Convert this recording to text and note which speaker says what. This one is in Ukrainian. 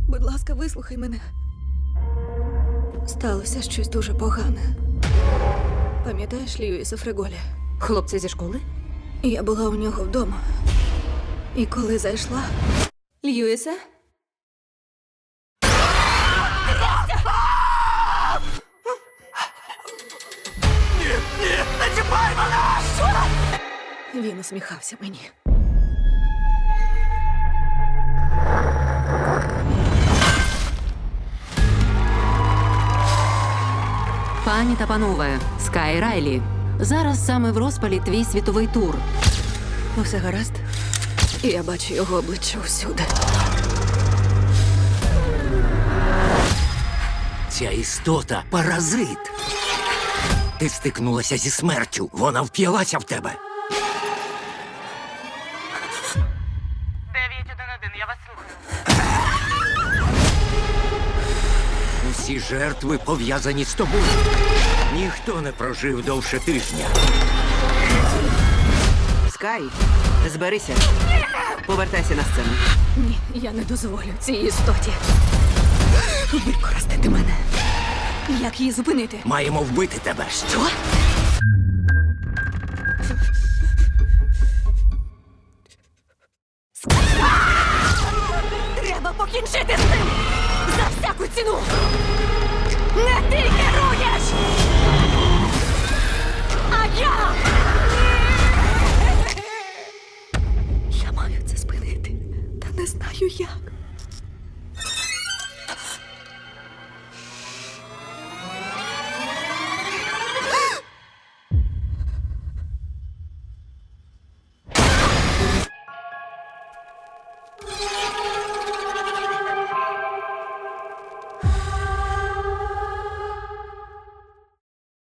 Speaker 1: Будь ласка, вислухай мене. Сталося щось дуже погане. Пам'ятаєш Льюіса Фреголі?
Speaker 2: Хлопця зі школи?
Speaker 1: Я була у нього вдома. І коли зайшла... Льюісе?
Speaker 3: Ні, не чіпай мене!
Speaker 1: Він усміхався мені.
Speaker 4: Пані та панове, Скай Райлі. Зараз саме в розпалі твій світовий тур.
Speaker 1: Усе гаразд? І я бачу його обличчя всюди.
Speaker 3: Ця істота – паразит. Ти стикнулася зі смертю. Вона вп'ялася в тебе.
Speaker 5: 911, я вас слухаю.
Speaker 3: Усі жертви пов'язані з тобою. Ніхто не прожив довше тижня.
Speaker 6: Скай, зберися. Повертайся на сцену.
Speaker 1: Ні, я не дозволю цій істоті використати мене. Як її зупинити?
Speaker 3: Маємо вбити тебе.
Speaker 1: Що? Треба покінчити з цим! За всяку ціну! Не ти керуєш! А я! Я маю це спинити, та не знаю як.